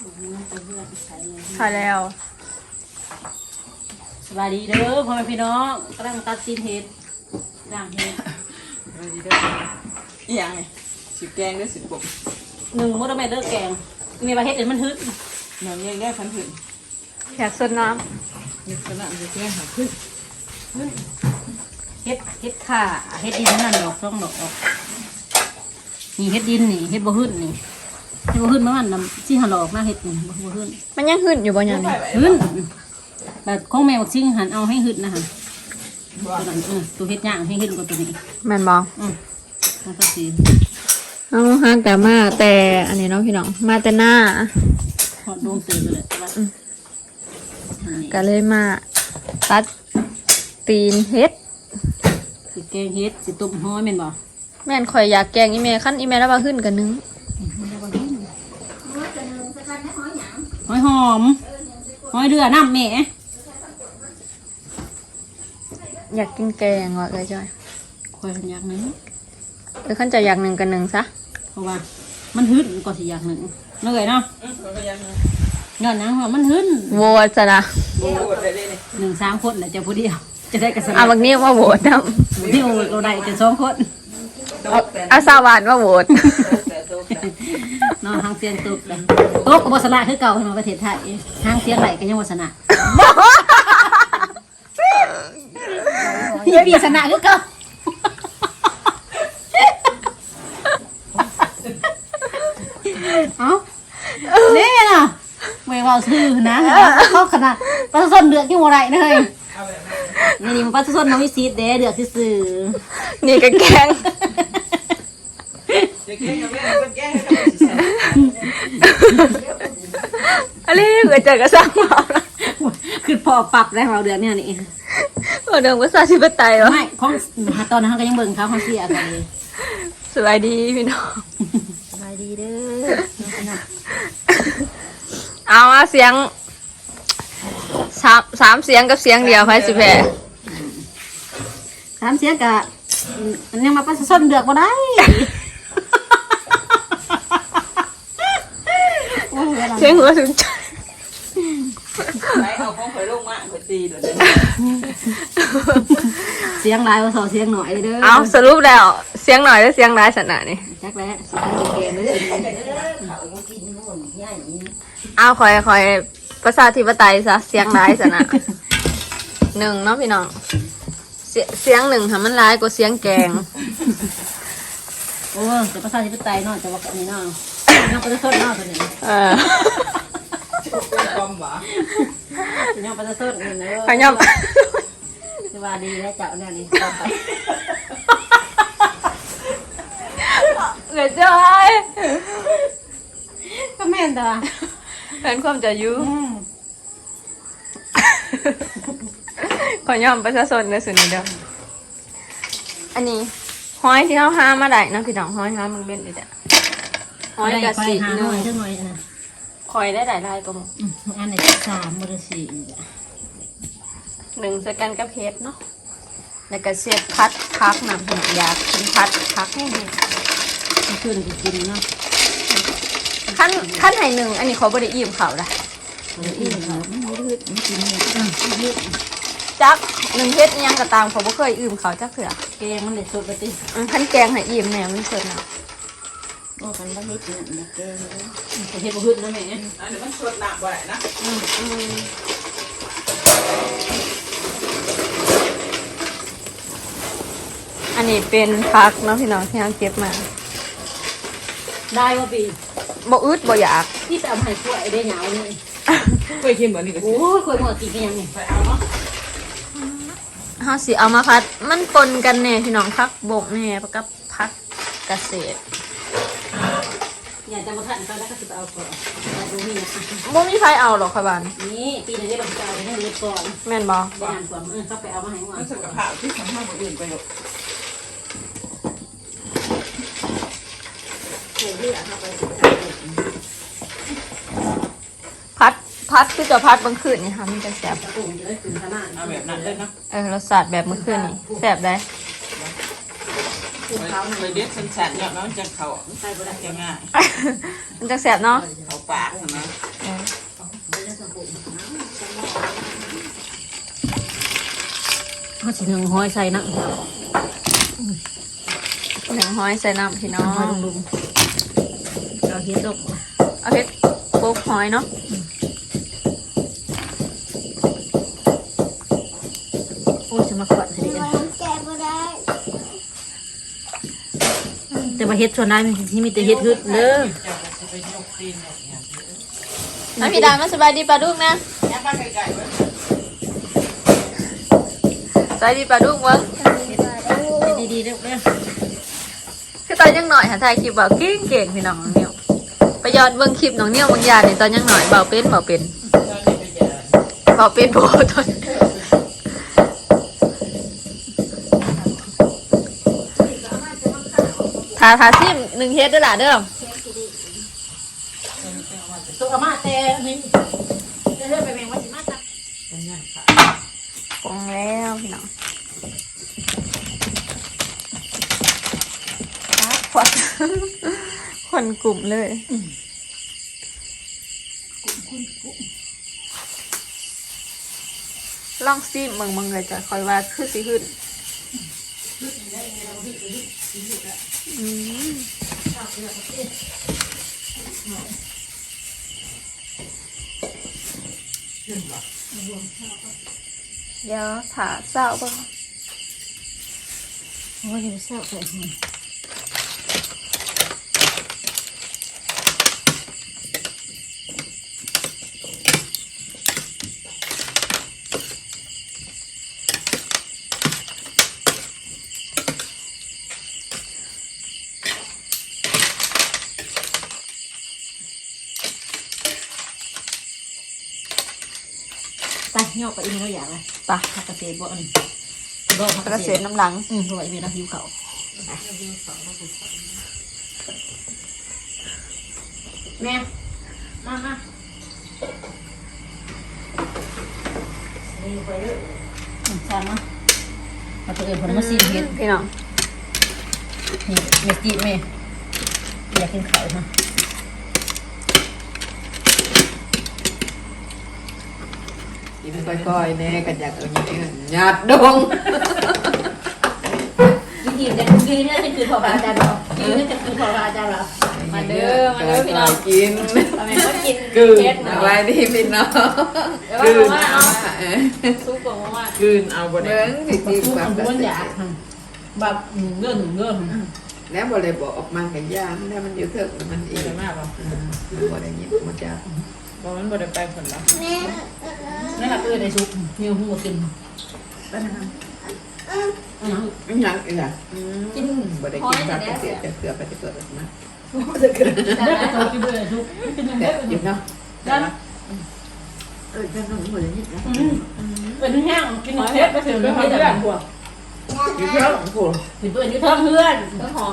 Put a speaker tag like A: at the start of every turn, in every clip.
A: ถ่ายแล้ว
B: สบายดีเด้อพ่อแม่พี่น้องกำลังตัดตีนเห็ดด่างเห็ด
C: สบายดีเด้ออีหยังไงสิแกงด้วยสิบก
B: หนึ่งมดแม่เด้อแกงมีปลาเห็ดเดี๋ยวมันฮึด
C: หนอนยังได้พันผืน
A: อยากสดน้
C: อยากสลับจะแกงหาขึ้น
B: เห็ดข่าเห็ดดินนั่นดอกช่องดอกนี่เห็ดดินนี่เห็ดบ่ฮึดนี่เห็ดบ่ฮึดมันน้ำที่หันออกนะเห็ดนี่บ่ฮึด
A: ำมันยังหึดอยู่บ่ยังนี่
B: ฮึดแบบของแมวชิงหันเอาให้ฮึดนะฮะตัวนั้นตัวเห็ดย่างให้ฮึดกว่าตัวนี้
A: แม่นบ่
B: มันก็สี
A: เอาห้างแต่มาแต่อันนี้เนาะพี่น้องมาแต่หน้า
B: หอดดวงตื่นเลย
A: ก็เลยมาตัดตีนเฮ็ด
B: สิแกงเฮ็ดสิต้มห้อยแม่นบ่
A: แม่นข่อยอยากแกงอีเมลขั้นอีเมลแล้วว่าขึ้นกันนึง
B: ห้อยหอมห้อยเดือน้ำแม่
A: อยากกินแกงว่ะเลยจ้อย
B: ข่อยอยากนึง
A: ขั้นจะอยากหนึ่งกันหนึ่งซะ
B: เพราะว่ามันฮึดก็สิอยากหนึ่งนั่นเลยเนาะย้อนนังว่ามันฮึด
A: โหวตซะนะ
B: หนึ่ง3 คนแหละจะผู้เดียวจะได้กระส
A: เอาบางนี้ว่าโหวตนะ
B: ผู้เดียวเราได้จะ2 คน
A: เอาสาวานว่าโหวต
B: เนาะหางเสียงตุกเลยตุกกับบสนะคือเก่าในประเทศไทยหางเสียงไหลก็ยังบสนะยี่ปีสนะคือเก่าเอาเนี่ยนะไม่ว่าซื้อนะเขาขนาดปลาส้นเดือดที่หัวไรเลยนี่มันปลาส้นน้องวิสิตเด้เดือดที่ซื้อ
A: นี่ก็แกงอะไรเกิดจากกระซังเมาละ
B: คือพอปรับได้เราเดือนเนี่ยนี่
A: เดิมก็ซาชิบะไตเหรอ
B: ไม่ของตอนนั้นเขาก็ยังเบิ่งเขาเสียอะไร
A: สบายดีพี่น้อง
B: สบายดีเด้อ
A: เอามาเสียงสามเสียงกับเสียงเดียวไปสิแพ้
B: 3 เสียงกับมันยังมาปลาส้นเดือดมาได้
A: เสียงหัวถึงใจ
C: ไหนเอาของข่อยลงมาข่อยตีเดี๋ยว
B: เสียงลายว่าเสียงหน่อยเด้อ
A: เอาสรุปแล้วเสียงหน่อยแล้วเสียงร้ายสนะนี่
B: จักแล้วเสียงเกมเลย
A: เอาคอยภาษาธิปไตยซะเสียงร้ายสนะ1เนาะพี่น้องเสียง1ค่ะมันร้ายกว่าเสียงแกง
B: โอ้แต่ภาษาธิปไตยเนาะจะว่าอันนี้เนาะน้องประชาชนเนาะตัวนี้
C: ความหวา
B: น้องประชาชนนี่เนอะ
A: ขยับ
B: สวัสดีแล้วเจ้าเนี่ยนี่ต่อไป
A: เหลือจ้อย
B: ก็แม่นตัว
A: เป็นความจะยุ่งขอยอมประชาชนในส่วนนี้เด้ออันนี้ห้อยที่เขาห้ามาได้นะพี่น้องห้อยห้ามึงเบ็ดเลยจ้ะห้อยกระสีหน่อย
B: จังหน่อยนะ
A: คอยได้หลายลายก็มึง
B: อันไหน3 บริสี
A: 1สกันกับเพชรเนาะแล้วก็เสียบพัดพักน้ำหัวยากินพัดพักให้
B: ขึ้นกินเนาะ
A: ขั้นไห1อันนี้เขาบริอิ่มเขาละ
B: อิ่มเขาไม่ยืดไม่กินยืด
A: จัก1เพชรยังกระตามเขาบ่เคยอิ่มเขาจักเถื่อ
B: แกงมันเด็ดสดไปติ
A: ขั้นแกงให้อิ่มแนวมันสดเนาะ
B: โอ้กันบ้านเฮ็ดเนี่ยแกงเฮ็ดบ่ฮึดนะแม่
C: เดี๋ยวมันสดหนักบ่ได้นะ
A: อันนี้เป็นพักเนาะพี่น้องที่เราเก็บมา
B: ได้ว่าปี
A: บ่อึดบ่อยาก
B: ที่จะเอาให้กล้วยได้เหงาเลย
C: กล้วยเค็มเหมือนนี่ก็
B: โอ้กล้วยหมดกินกันยังไง
C: ไปเอาเนาะ
A: เฮาสิเอามาพัดมันปนกันแน่พี่น้องพักบกแน่กับพักเกษตร
B: อยากจะมาทันไปแล้วก็จะเอาก่อนแต่ดูนี่นะ
A: บ่มีใครเอาหรอกค่ะบ้าน
B: นี่ปีนี้ได้บังคับให้เรียบก่อน
A: แม่นบ่
B: ได้อ่านก่อนเขาไปเอามาให้ว่า
C: มันสุขภาพที่ทำให้คนอื่นไปหรอก
A: พัดคือจะพัดบางคืนนี่ค่ะมันจะแสบ
C: เอาแบบนั้นเลยนะ
A: รสชาติแบบเมื่อคืนนี่แสบได้
C: เลยเด็ดสั้นๆเนี่ยมันจะเขาใส่บะได้ง่าย
A: มันจะแสบเนาะ
C: เขาปากนะ
B: เขาสิหนึ่งห้อยใส่น้ำ
A: หนึ่งห้อยใส่น้ำพี่น้อง
B: ห้อยลุงเอาเฮ็ดตก
A: เอาเฮ็ดโป๊กห้อยเนาะ
B: โอ้ยจะมาขวัญสิแต่ว่าเฮ็ดส่วนนั้นที่มีแต่เฮ็ดฮึดเด้อ
A: น้ำพี่ดามาสบายดีปลาดุกนะสบายดีปลาดุกวะ
B: ดีๆเด้อเด้อ
A: คือตอนยังหน่อยหาถ่ายคลิปเบาเก่งๆพี่น้องน้องเนี่ยวไปย้อนเบิ่งคลิปน้องเนี่ยวบางอย่างนี่ตอนยังหน่อยเบาเป็นโบตอนทาซิมหนึ่งเฮ็ดด้วยล่ะเด้อ
B: ตัวอามาแต่นี่เรื่อยๆไปแมงว่าสิมาตัก
A: ปรุงแล้วพี่น้องควักคนกลุ่มเลยลองซิมมึงเลยจะคอยว่าคือสิขึ้นเดี๋ยวถาเศร้าบ้าง
B: โอ้ยอย่าเศร้าไป ไปเงาะไปอีกแล้วอย่างไร
A: ปะ
B: ผักกระเทียมบ่อันนี้
A: กระเซ็นน้ำหลัง
B: เพราะว่าอีเมลหิวเขาแม่มาไปเลยจานมาเอาตัวเองผลมาซีนเฮ็ด
A: พี่น้อง
B: นี่เมจิเมอยากกินไข่ฮะ
C: กินค่อยๆแน่กันอยากเอาอย่างนี้หยาดดง
B: กินจะกินนี่จะคือพอบาจานเรากินนี่จะคือพอบาจานเรา
A: มาเด้อพี่น้อง
C: กิน
A: ทำไมก็กิน
C: กลืน
A: เฮ็ด
C: อะไรนี่พี่น้อง
A: เดี๋ยว
C: กลืน
A: ว่า
C: เอา
A: ซุปของว่าก
C: ลืนเอาบ่ได้สิ
B: ทุ
C: กิ
B: ก
C: น
B: ค
C: แบบ
B: นมันอยากแบบเงื่อนเงื่อน
C: แล้วบ่ได้บอกออกมากันย่างแล้วมันอยู่เถิกมันอีก
D: มากป่ะ
C: บ่ได้ยินมันจะ
D: บอกมันบ่ได้ไปผลลัพธ์
B: นั่นแหละคือในซุปมีหัวกิน
C: มันยังอีกอ่ะกินบ่ได้กินแบบเสียจะเกลือไปจะเกิดออกมา
B: ได้ไปตัวกินเลยซุปกินยัง
C: แต่
B: ได้
C: อยู่เนาะ
B: ได้
C: จะน้องบ่ได้ยินนะ
B: เป็นแห้งกินเทปไปถึงไม่ได้แบบหัว
C: อยู่เถิกโอ้โห
B: ถึงตัวนี้เพิ่มเพื่อน
A: เจ้าของ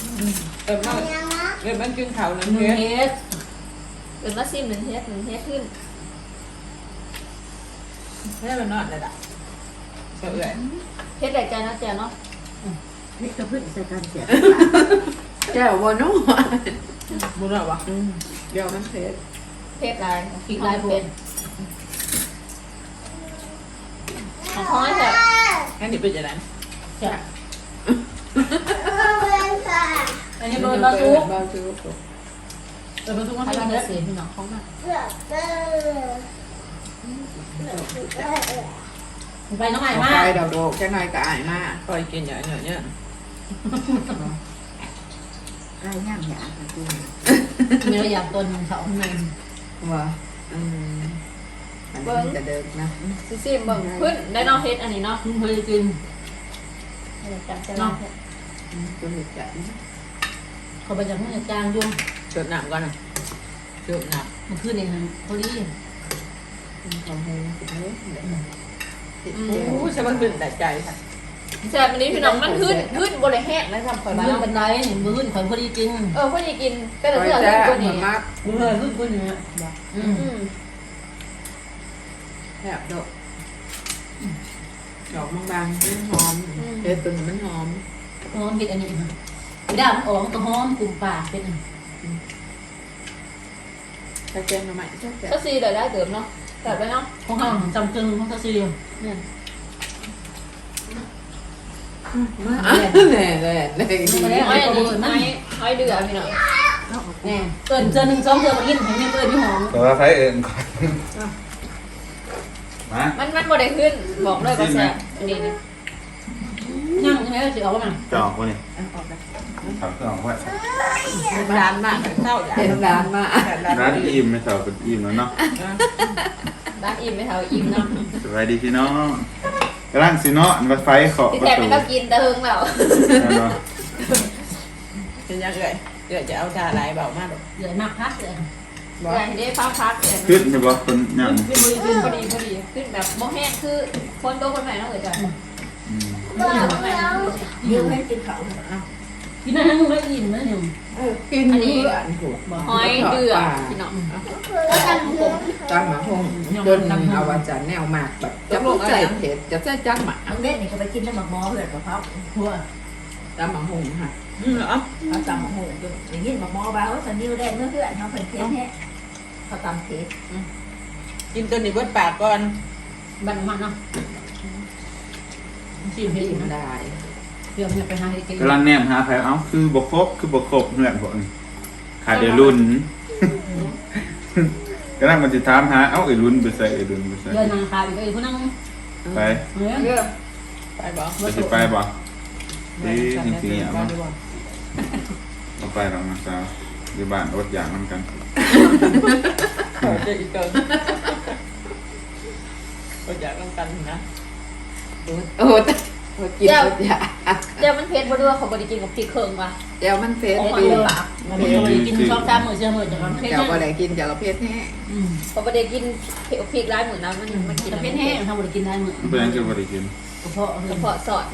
D: มันกินข้าวนั่น
B: หนึ่ง
D: เฮ็ด
B: เฮ็ด
A: เกิดมาซิมหนึ่งเฮ็ดขึ้น
D: แม่มันนอนเลยล่ะเอื่อย
A: เฮ็ดใหญ่ใจนะเจ้าเนาะ
B: นี่กระพื้นใส่กันเสีย
C: แก้วบ่เนาะ
D: บุญหรอวะ
C: เดี๋ยวมันเผ็ด
A: เฮ็ดลาย
B: กินลายเป็ด
A: ของห้อยแบบ
D: งั้นเดี๋ยวเป็นจะไหน
B: จ้ะอันนี้โดนเราซุป
C: เบาซุป
B: เราซุปมาให้เฮ็ดเสียพี่น้องของมันไปน้องใหม่มา
C: ไปดอกโดกแค่ไหนก็อายมาก
D: คอยกินอย่างเงี้ย
C: ไรย่างหยาจริง
B: มีระยะต้นเขาเงิน
C: ว่าอันนี้จะเดินนะ
A: ซิมเบิ่งขึ้นได้เนาะเฮ็ดอันนี้เนาะ
B: คุณเคยกิน
A: เนาะ
C: ตัวเห็ดจัด
B: เขาไปจากเมื่อจางยุ่ง
D: เกิดหนามก่อนนะเกิดหนาม
B: มันขึ้นเองพอดี
C: ของให้ติดเนื้อ
D: อู้ใช่มันขึ้นแต่ใจค่ะ
A: แซ่บอันนี้พี่น้องมันขึ้นบ่ได้แห้งนะทำข่อย
B: มื
A: ว่า
B: อบันไดเห็นมือข่อยพอดีกิน
A: พอดีกินแต่
C: ค
A: ละ
C: อย
A: เทื่อ
C: แซ่
A: ขึ้น
C: บ
A: กว่านี้
C: มาก
B: มือขึ้นอย่างเงี้ย
C: แซ่บดอกดอกบางๆมันหอมเห็ดตัวนี้มันหอม
B: หอมเห็ดอันนี้ค่ะดาวอ๋อตัวหอมกลุ่มปากเป็น
C: ถ้าแกงมาใหม่แซ่บ
A: ก็ซีได้เติมเนาะแบบไปเนาะ
B: ของเขาจำเกินของเขาซีเรียส
A: เนี่ย
C: แน่แน่แน่
A: ห้อยอันนี้ห้อยเดือพี่น้อง
B: แน่เกินเจอ1 2เจอมากินให้แม่เอิ้นพี่หอม
E: แต่ว่าไฟเอิญก่อนมา
A: มันบ่ได้ขึ้นบอกเลยว่าแซ่บอันนี้นี่
B: ยังใช่ไหมสิเอาบ่มา
E: จะออกวะเนี่ยถามเครื่องออกว่า
D: ร้านมากเท่าอย่าง
C: เห็นร้านมา
E: ร้านอิ่มไม่สาวเป็นอิ่มแล้วเนาะ
A: ร้านอิ่มไม่เท่าอิ่มเนาะ
E: สบายดีพี่น้องกำลังสิเนาะอันว่าไฟขอ
A: ที่
E: ประ
A: แท้
E: ตู
A: มันก็กินแต่เฮิงแล้ว
E: เนาะ
D: เป็นยังไงเดี๋ยวจะเอาชาลายเบามากหรอก
B: เหลือมากพักเลย
A: แต่ที่ได้ฟ้าพัก
E: ขึ้นใช่ปะคนอย่าง
A: ขึ้นพอดีขึ้นแบบบ่แห้งคือคนโตคนใหม่เนาะเอ๋ยจ้ะ
E: อืม
A: คนใหม่
C: ยืมให้กินเขา
B: กินให้มึงได้อิ่มนะเนี่ย
C: กินเพื่อนถูก
A: ห้อยเดือพี่น้อง
C: จังหมาหงจนเอาวันจันแนวมากแบบจะลูกใจเผ็ดจะใส่จังหมา
F: น้องเด็ดนี่ก็ไปกินน้ำหมักหม้อเพื่อนกับเขา
B: หัว
C: จังหมาหงค่ะ
D: เหรอ
F: เขาตำหมักหมูอยู่อย่างนี้หมักหม้อบ้าเขาสันนิวได้เมื่อเพื่อนเขาเป็นเทสแท้เขาตำเทส
D: กินตัวนี้เบิดปากก่อน
B: บันมันเนาะชิมให้
C: กิ
B: อิ่ม
C: น
B: นะ
C: ได้
B: เดี๋ยวเนี่ยไปหาให้กิน
E: กำลังแนมหาไฟเอ้าคือบกครบคือบกครบเพื่อนผมขาดเดี๋ยวรุ่นกำลังมันจะถามหาเอ้าไอ้รุ่นไปใส่ไอ้รุ่นไปใส่
B: เดินนางคาอีกไอ้ผู้นั่ง
E: ไป
B: เฮ้ย
A: เด้อ
D: ไปบอก
E: ไปสิไปบ่ดีจริงๆอ่ะมั้งเอาไปหรอกนะสาวอยู่บ้านอดอยากน้ำกัน
D: เจออีกเกินก็อยากต้องกันนะ
C: โอ้กินอยา
A: เดี๋ยวมันเผ็ดบ่ด้วยเขาบ่ได้กินกับพริกเคิงว่ะ
C: เดี๋ยวมันเผ็ด
B: ของ
C: ดี
B: มันปากมันไม่กินชอบตามมือเชื่อมือจากมันเผ็ด
C: เดี๋ยว
B: แห้
C: ก็
B: ง
C: ได้กินเดี๋ยวก็เผ็ดแห้
A: เขาบ่ได้กินพริกร้ายเหมือนนะมันกิน
B: เผ็ดแห้งทำบุญกินได้มือ
E: เพื่อนก็บริกิน
B: กระเพาะ
A: กระเพาะสอดเด้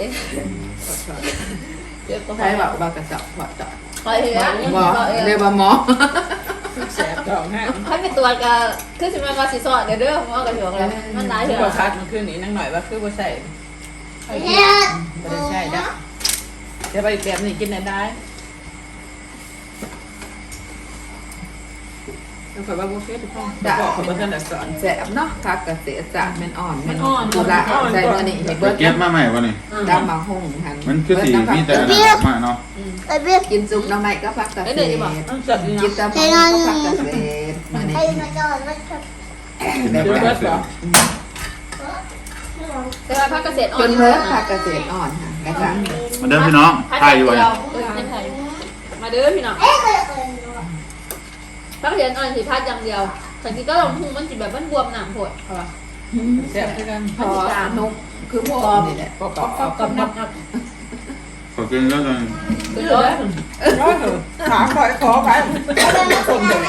A: เดี๋ยวก็
C: ใช่แบบว่ากระเจาะหัวเจาะ
A: คอยเห็น
C: หมอเรียกว่าหมอ
D: แสบท้องแห้ง
A: ให้เป็นตัวก็คือสิมันว่าสิสอดเด้อหมอกระเถือกแล้วมันหลายเถื่
D: พอ
A: อ
D: คัดมันขึ้นนี่นั่งหน่อยว่าคือบ่ใส่ไม่ได้ใช่จ้ะเดี๋ยวไปอีกแบบนี้กินได้ แล้วก็ว่าโอเคทุกคนบอกเขาว่าท่านสอน
C: แสบเนาะคักกระเสียสารมันอ่อนมันกุละใส่ตัวนี้เห็น
E: ไป
C: เบิร์ด
E: เก็บมาใหม่วะนี่
C: ดำมาหงหัน
E: มันคือสีมีแต่อันนั้นมาเนาะ
C: กินซุปน้ำใหม่ก็พักกระเสีย
D: ต้องจัดดี
C: กิน
D: นะ
C: ตำก็พักกระเสียมาเนี่ย
E: กินได้ไปเสร็จ
A: แต่ว่าพักเกษตรอ่อ
C: จ
A: น
C: นเลิกพักกระเสียอ่อนค่ะกระสัง
E: มาเดินพี่น้องไทยอยู่วะนี่
A: มาเด้อพี่น้องพักเกษตรอ่อนสิพัดอย่างเดียวสังทีก็ลองพุงมันสิแบบมันบวมหนามโผดเอาป่ะ
D: แซ่บด้วยกัน
C: พอนุกคือพวกนี่แหละ
D: ปอก
B: กับนับ
E: ขอกินแล้วกัน
A: คือรถ
D: ร้อยเถอะขาคอยขอไปคนเดียว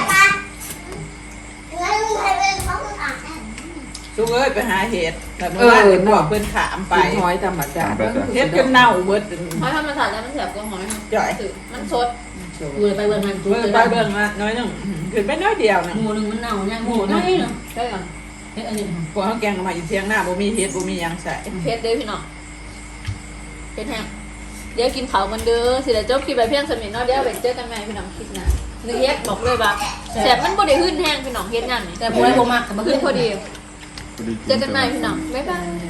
D: สู้เอ้ยไปหาเห็ดแต่เมื่อวานเห็นบอกเพื่อนขามไป
C: หอยธรรมชาติ
D: เห็ดจนเน่าเบิด
A: หอยธรรมชาติแล้วมันแสบกว่าหอย
D: จ่อย
A: มันสด
B: กูเลยไปเบิ่งมันกู
D: เบิ่ง
B: เลย
D: ไปเบิ่งมาน้อยนึงขึ้นไปน้อยเดียวนะ
B: หมูหนึ่งมันเน่าเนี่ยหมูน้อยเนาะ
A: ใช่ก่อน
B: เฮ้ยอันนี้
D: พวกเขาแกงมาอยู่เที่ยงหน้าบ่มีเห็ดบ่มียังใส่
A: เพชรเด้อพี่น้องเพชรแห้งเดี๋ยวกินเขามันเด้อสิเดี๋ยวจบคลิปไปเพียงสมิธเนาะเดี๋ยวไปเจอกันใหม่พี่น้องคลิปหน้าหนึ่งเฮ็ดบอกเลยว่าแสบมันบ่ได้ขึ้นแห้งพี่น้องเฮ็ดงานนี่
B: แต่พวกไอ้พวกมากกับมา
A: ขึ้
B: ขึ้
A: น
B: น
A: พอดี
E: พอดี
A: เจอกันใหม่พี่น้องบ๊ายบาย